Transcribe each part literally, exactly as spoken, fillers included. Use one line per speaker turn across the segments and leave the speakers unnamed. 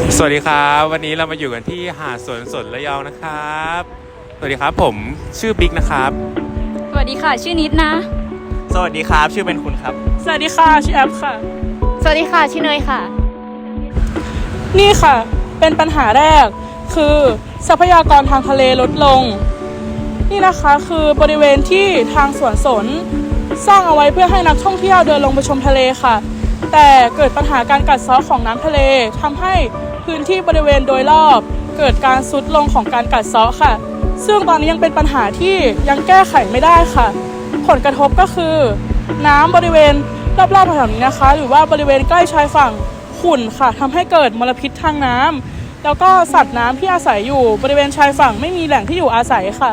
สวัสดีครับวันนี้เรามาอยู่กันที่หาดสวนสนระยองนะครับสวัสดีครับผมชื่อบิ๊กนะครับ
สวัสดีค่ะชื่อนิดนะ
สวัสดีครับชื่อเป็นคุณครับ
สวัสดีค่ะชื่อแอปค่ะ
สวัสดีค่ะชื่อเนยค่ะ
นี่ค่ะเป็นปัญหาแรกคือทรัพยากรทางทะเลลดลงนี่นะคะคือบริเวณที่ทางสวนสนสร้างเอาไว้เพื่อให้นักท่องเที่ยวเดินลงไปชมทะเลค่ะแต่เกิดปัญหาการกัดเซาะของน้ำทะเลทำให้พื้นที่บริเวณโดยรอบเกิดการทรุดลงของการกัดเซาะค่ะซึ่งตอนนี้ยังเป็นปัญหาที่ยังแก้ไขไม่ได้ค่ะผลกระทบก็คือน้ำบริเวณรอบๆแถวนี้นะคะหรือว่าบริเวณใกล้ชายฝั่งขุ่นค่ะทำให้เกิดมลพิษทางน้ำแล้วก็สัตว์น้ำที่อาศัยอยู่บริเวณชายฝั่งไม่มีแหล่งที่อยู่อาศัยค่ะ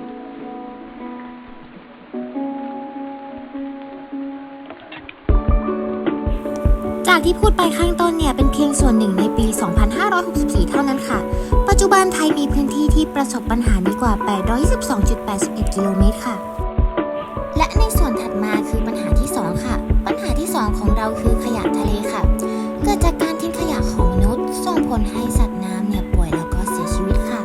จากที่พูดไปข้างต้นเนี่ยเป็นเพียงส่วนหนึ่งในปี สองพันห้าร้อยหกสิบสี่ เท่านั้นค่ะปัจจุบันไทยมีพื้นที่ที่ประสบปัญหานี้กว่า แปดร้อยยี่สิบสองจุดแปดหนึ่ง กิโลเมตรค่ะและในส่วนถัดมาคือปัญหาที่สองค่ะปัญหาที่สองของเราคือขยะทะเลค่ะเกิดจากการทิ้งขยะของมนุษย์ส่งผลให้สัตว์น้ำเนี่ยป่วยแล้วก็เสียชีวิตค่ะ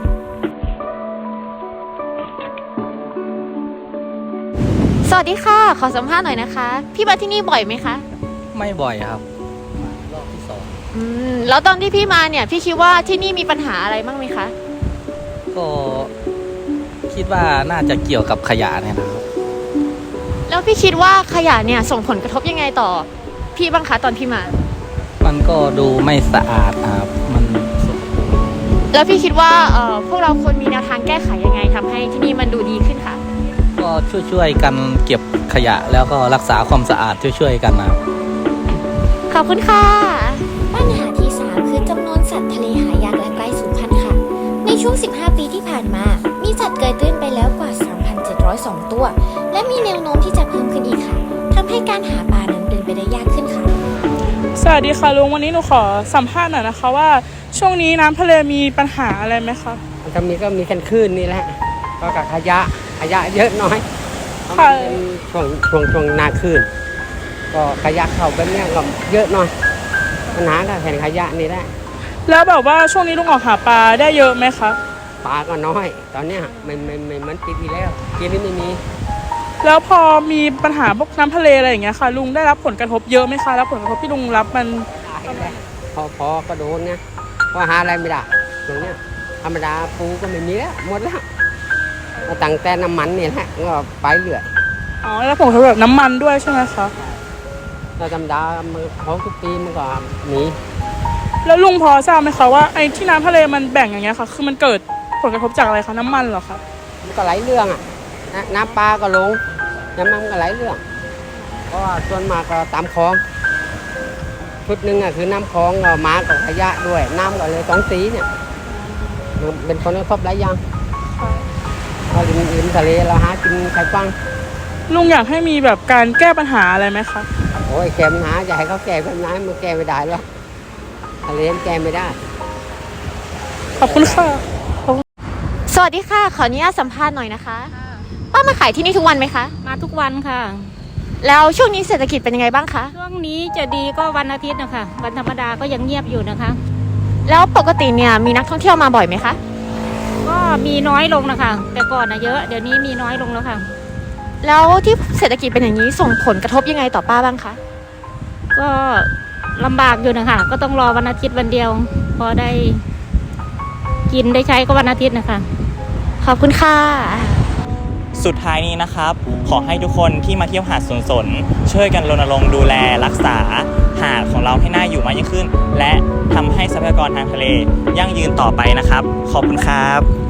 สวัสดีค่ะขอสัมภาษณ์หน่อยนะคะพี่มาที่นี่บ่อยไหมคะ
ไม่บ่อยครับรอบที่สอง
อืมแล้วตอนที่พี่มาเนี่ยพี่คิดว่าที่นี่มีปัญหาอะไรบ้างไหมคะ
ก็คิดว่าน่าจะเกี่ยวกับขยะเนี่ยนะครับ
แล้วพี่คิดว่าขยะเนี่ยส่งผลกระทบยังไงต่อพี่บ้างคะตอนพี่มา
มันก็ดูไม่สะอาดครับมัน
แล้วพี่คิดว่าเอ่อพวกเราควรมีแนวทางแก้ไขยังไงทำให้ที่นี่มันดูดีขึ้นคะ
ก็ช่วยๆกันเก็บขยะแล้วก็รักษาความสะอาดช่วยๆกันนะครับ
ขอบคุณค่ะ
ปัญหาที่สามคือจำนวนสัตว์ทะเลหายากและใกล้สูญพันธุ์ค่ะในช่วงสิบห้าปีที่ผ่านมามีสัตว์เกยตื้นไปแล้วกว่า สามพันเจ็ดร้อยสอง ตัวและมีแนวโน้มที่จะเพิ่มขึ้นอีกค่ะทำให้การหาปลานั้นเป็นไปได้ยากขึ้นค่ะ
สวัสดีค่ะลุงวันนี้หนูขอสัมภาษณ์หน่อยนะคะว่าช่วงนี้น้ำทะเลมีปัญหาอะไรไหมคะ
มันจะมีก็มีแค่คลื่นนี่แหละก็กับขยะขยะเยอะน้อย
ค่ะ
ช่วงช่วงช่วงนาคลื่นก็ขยะเข้าแบบนี้ก็เยอะหน่อยปัญหาก็แผ่นขยะนี่แหละ
แล้วแบบว่าช่วงนี้ลุงออกหาปลาได้เยอะไหมคะ
ปลาก็น้อยตอนนี้ไม่ไม่ไม่เหมือนปีที่แล้วปีนี้ไม่มี
แล้วพอมีปัญหาพวกน้ำทะเลอะไรอย่างเงี้ยค่ะลุงได้รับผลกระทบเยอะไหมคะแล้วผลกระทบที่ลุงรับมัน
พอพอก็โดนเนี่ยพอหาอะไรไม่ได้ตรงเนี้ยธรรมดาปูก็ไม่มีแล้วหมดแล้วตั้งแต่น้ำมันเนี่ยแหละก็ไปเรื่อย
อ๋อแล้วผลกระทบแบบน้ำมันด้วยใช่ไหมคะ
เราธรรมดาเขาทุกปีมันก็หนี
แล้วลุงพอทราบไหมคะว่าไอ้ที่น้ำทะเลมันแบ่งอย่างเงี้ยค่ะคือมันเกิดผลกระทบจากอะไรคะน้ำมันเหรอคะ
มันก็ไหลเรื่องอ่ะน้ำปลาก็ลงน้ำมันก็ไหลเรื่องเพราะว่าส่วนมากก็ตามคลองชุดหนึ่งอ่ะคือน้ำคลองก็มากับขยะด้วยน้ำก็เลยสองสีเนี่ยเป็นผลกระทบหลายอย่างเราริมริมทะเลเราหากินไข่ฟัง
ลุงอยากให้มีแบบการแก้ปัญหาอะไรไหมคะ
โอ้ยแก้ปัญหาจะให้เขาแก้ปัญหามันแก้ไม่ได้หรอกทะเลแก้ไม่ได้
ขอบคุณค่ะ
สวัสดีค่ะขออนุญาตสัมภาษณ์หน่อยนะคะป้ามาขายที่นี่ทุกวันไหมคะ
มาทุกวันค่ะ
แล้วช่วงนี้เศรษฐกิจเป็นยังไงบ้างคะ
ช่วงนี้จะดีก็วันอาทิตย์นะคะวันธรรมดาก็ยังเงียบอยู่นะคะ
แล้วปกติเนี่ยมีนักท่องเที่ยวมาบ่อยไหมคะ
ก็มีน้อยลงนะคะแต่ก่อนนะเยอะเดี๋ยวนี้มีน้อยลงแล้วค่ะ
แล้วที่เศรษฐกิจเป็นอย่างนี้ส่งผลกระทบยังไงต่อป้าบ้างคะ
ก็ลำบากอยู่นะคะก็ต้องรอวันอาทิตย์วันเดียวพอได้กินได้ใช้ก็วันอาทิตย์นะคะ
ขอบคุณค่ะ
สุดท้ายนี้นะครับขอให้ทุกคนที่มาเที่ยวหาดสวนสนช่วยกันรณรงค์ดูแลรักษาหาดของเราให้น่าอยู่มากยิ่งขึ้นและทำให้ทรัพยากรทางทะเลยั่งยืนต่อไปนะครับขอบคุณครับ